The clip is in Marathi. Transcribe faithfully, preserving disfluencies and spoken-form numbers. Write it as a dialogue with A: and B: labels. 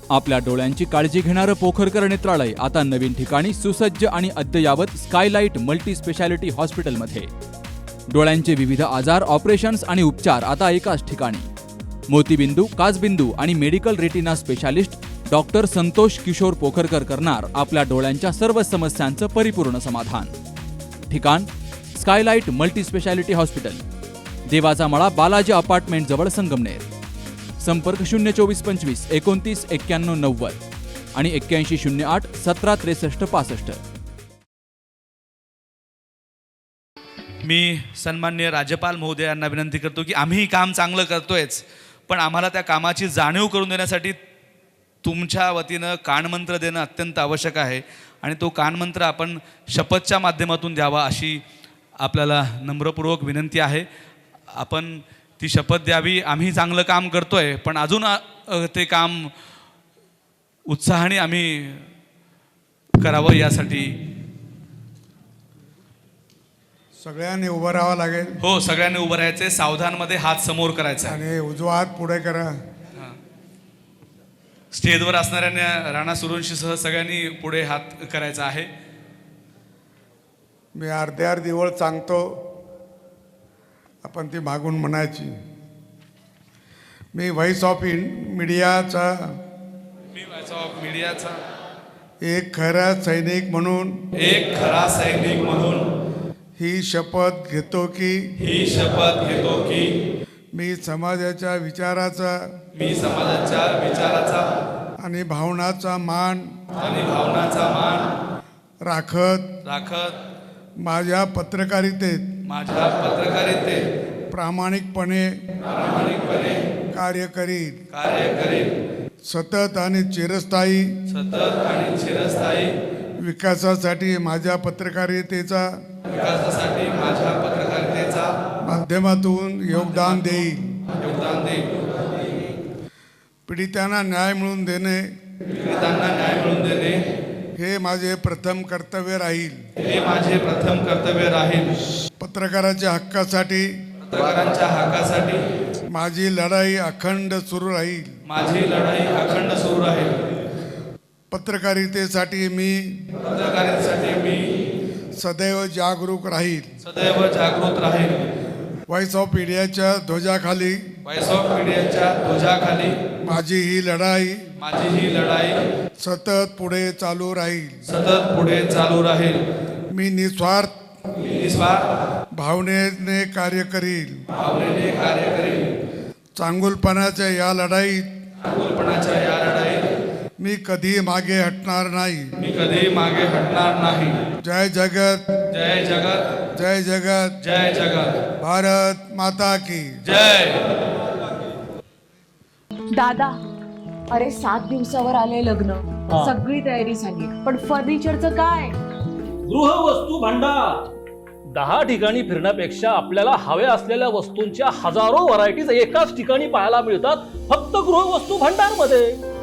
A: आपल्या डोळ्यांची काळजी घेणारं पोखरकर नेत्रालय आता नवीन ठिकाणी सुसज्ज आणि अद्ययावत स्कायलाइट मल्टी स्पेशालिटी हॉस्पिटलमध्ये. डोळ्यांचे विविध आजार, ऑपरेशन्स आणि उपचार आता एकाच ठिकाणी. मोतीबिंदू, काचबिंदू आणि medical retina specialist doctor Santosh Kishor Pokharkar करणार आपल्या डोळ्यांच्या सर्व समस्यांचं परिपूर्ण समाधान. ठिकाण स्कायलाइट मल्टी स्पेशालिटी हॉस्पिटल, देवाचा मळा, बालाजी अपार्टमेंट जवळ, संगमनेर. संपर्क शून्य चोवीस पंचवीस एकोणतीस एक्क्याण्णव नव्वद आणि एक्क्याऐंशी शून्य आठ सतरा त्रेसष्ट पासष्ट.
B: मी सन्माननीय राज्यपाल महोदयांना विनंती करतो की आम्ही काम चांगलं करतोयच, पण आम्हाला त्या कामाची जाणीव करून देण्यासाठी तुमच्या वतीनं कानमंत्र देणं अत्यंत आवश्यक आहे आणि तो कानमंत्र आपण शपथच्या माध्यमातून द्यावा अशी आपल्याला नम्रपूर्वक विनंती आहे. आपण ती शपथ द्यावी. आम्ही चांगलं काम करतोय, पण अजून ते काम उत्साहाने आम्ही करावं यासाठी
C: सगळ्यांनी उभं राहावं लागेल.
B: हो, सगळ्यांनी उभं राहायचे. सावधानमध्ये हात समोर करायचा
C: आणि उजवा हात पुढे करा.
B: स्टेजवर असणाऱ्यांना राणा सुरवंशीसह सगळ्यांनी पुढे हात करायचा आहे.
C: मी अर्धे अर्धी ओळ सांगतो, आपण ती मागून म्हणायची. मी व्हॉइस ऑफ मीडियाचा
B: मी व्हॉइस ऑफ मीडियाचा
C: एक खरा सैनिक म्हणून
B: एक खरा सैनिक म्हणून
C: ही शपथ घेतो की
B: ही शपथ घेतो की
C: मी समाजाच्या विचाराचा
B: मी समाजाच्या विचाराचा
C: आणि भावनाचा मान
B: आणि भावनाचा मान
C: राखत
B: राखत
C: माझ्या पत्रकारितेत
B: माझ्या पत्रकारितेत
C: प्रामाणिकपणे
B: प्रामाणिकपणे
C: कार्य करीन.
B: कार्य करीन.
C: सतत आणि चिरस्थायी
B: सतत आणि चिरस्थायी
C: विकासासाठी माझ्या पत्रकारितेचा
B: विकासासाठी माझ्या पत्रकारितेचा
C: माध्यमातून योगदान देईल.
B: योगदान देईल.
C: पीडितांना न्याय मिळवून देणे
B: पीडितांना न्याय मिळवून देणे
C: हे माझे प्रथम कर्तव्य राहील.
B: हे माझे प्रथम कर्तव्य राहील.
C: पत्रकाराच्या हक्कासाठी
B: पत्रकारांच्या हक्कासाठी
C: माझी लढाई अखंड सुरू राहील.
B: माझी लढाई अखंड सुरू राहील.
C: पत्रकारितेसाठी मी
B: पत्रकारितेसाठी मी
C: सदैव जागरूक राहील.
B: सदैव जागृत राहील.
C: व्हॉइस ऑफ मीडियाच्या ध्वजाखाली
B: व्हॉइस ऑफ मीडियाच्या ध्वजाखाली
C: माझी ही लढाई
B: माझी ही लढाई
C: सतत पुढे चालू राहील.
B: सतत पुढे चालू राहील.
C: मी निस्वार्थ
B: निस्वार्थ
C: भावनेने कार्य करील.
B: भावनेने कार्य करील.
C: चांगुलपणाच्या या लढाईत
B: चांगुलपणाच्या या लढाईत
C: मी कधी मागे हटणार नाही.
B: मी कधी मागे हटणार नाही.
C: जय जगत
B: जय जगत
C: जय जगत
B: जय जगत.
C: भारत माता की
B: जय.
D: दादा, अरे सात दिवसावर आले लग्न, सगळी तयारी झाली, पण फर्निचरचं काय?
E: गृहवस्तू भांडार. दहा ठिकाणी फिरण्यापेक्षा आपल्याला हव्या असलेल्या वस्तूंच्या हजारो व्हरायटीज एकाच ठिकाणी पाहायला मिळतात फक्त गृहवस्तू भांडार मध्ये.